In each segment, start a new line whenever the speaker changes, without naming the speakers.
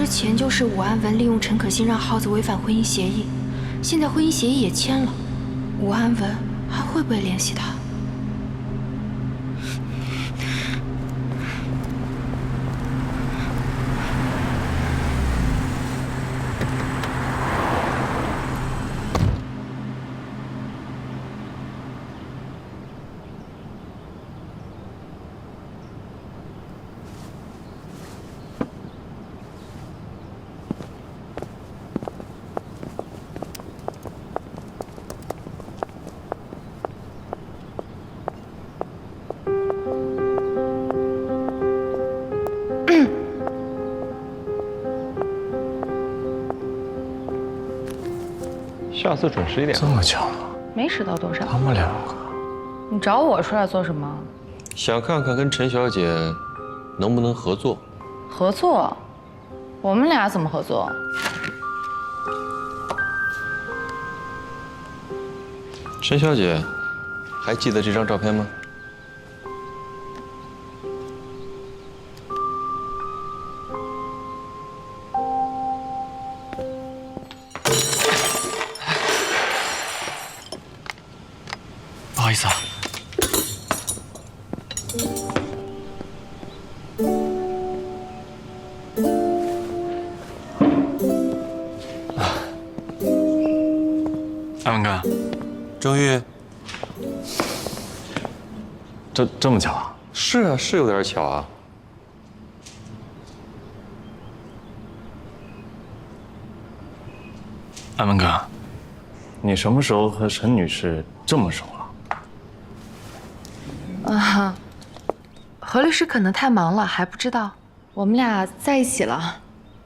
之前就是武安文利用陈可辛让耗子违反婚姻协议，现在婚姻协议也签了，武安文还会不会联系他？
下次准时一点。
这么巧，
没迟到多少。
他们两个，
你找我出来做什么？
想看看跟陈小姐能不能合作。
合作？我们俩怎么合作？
陈小姐，还记得这张照片吗？
不好意思啊。安文哥，
郑玉，
这么巧啊？
是啊，是有点巧啊。
安文哥，你什么时候和陈女士这么熟了？
啊，何律师可能太忙了，还不知道。我们俩在一起了。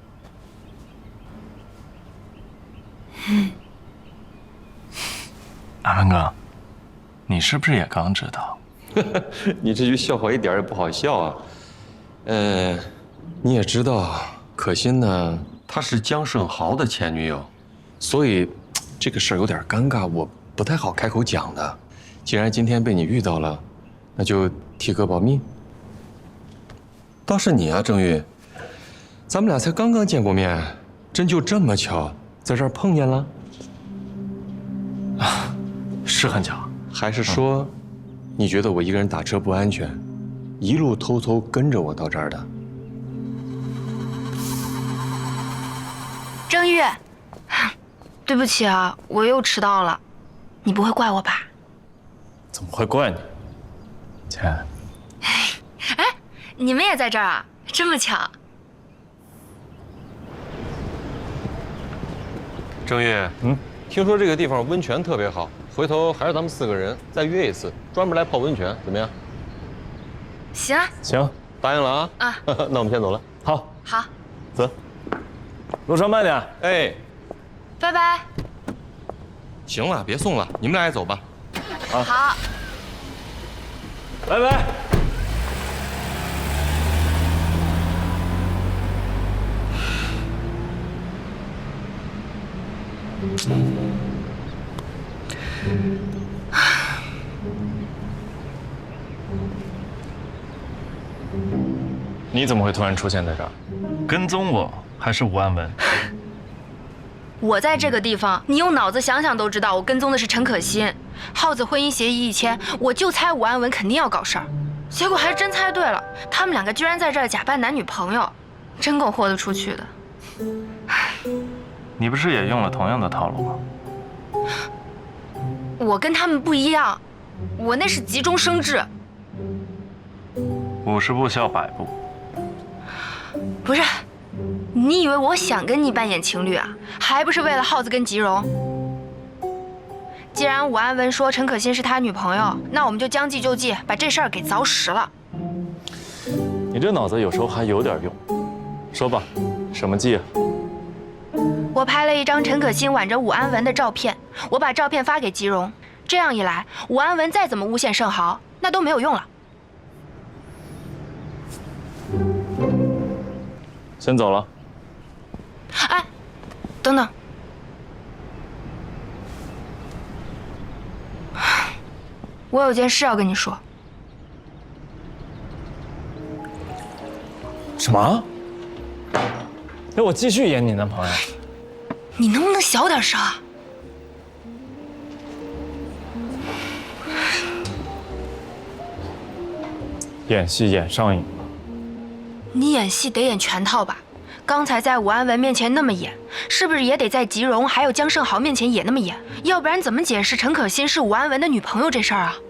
安文哥，你是不是也刚知道？
你这句笑话一点也不好笑啊。你也知道，可心呢，她是姜胜豪的前女友，所以这个事儿有点尴尬，我不太好开口讲的。既然今天被你遇到了，那就提个保密。倒是你啊，郑玉，咱们俩才刚刚见过面，真就这么巧在这儿碰见了？
是很巧。
还是说，你觉得我一个人打车不安全，一路偷偷跟着我到这儿的？
郑玉，对不起啊，我又迟到了，你不会怪我吧？
怎么会怪你？姐，
哎，你们也在这儿啊？这么巧？
郑玉，听说这个地方温泉特别好，回头还是咱们4个人再约一次，专门来泡温泉，怎么样？
行啊，
行，
答应了啊！
啊，
那我们先走了。
好，
好，
走，路上慢点。
哎，
拜拜。
行了，别送了，你们俩也走吧。
好。
拜拜。你怎么会突然出现在这儿？跟踪我还是吴安文？
我在这个地方，你用脑子想想都知道，我跟踪的是陈可辛。耗子婚姻协议一签，我就猜武安文肯定要搞事儿，结果还真猜对了，他们两个居然在这儿假扮男女朋友，真够豁得出去的。
你不是也用了同样的套路吗？
我跟他们不一样，我那是急中生智。
50步笑100步。
不是，你以为我想跟你扮演情侣啊？还不是为了耗子跟吉荣？既然武安文说陈可辛是他女朋友，那我们就将计就计，把这事儿给凿实了。
你这脑子有时候还有点用。说吧，什么计啊？
我拍了一张陈可辛挽着武安文的照片，我把照片发给吉荣，这样一来，武安文再怎么诬陷盛豪，那都没有用了。
先走了。
哎，等等，我有件事要跟你说。
什么？ 那我继续演你男朋友。
你能不能小点声啊？
演戏演上瘾了。
你演戏得演全套吧？刚才在武安文面前那么演，是不是也得在吉荣还有江胜豪面前也那么演？要不然怎么解释陈可辛是武安文的女朋友这事儿啊？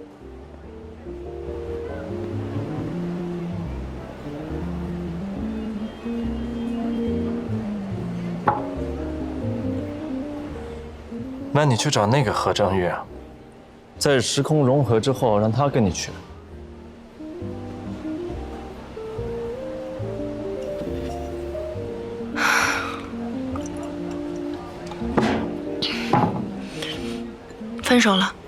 那你去找那个何正玉啊，在时空融合之后，让他跟你去。
分手了。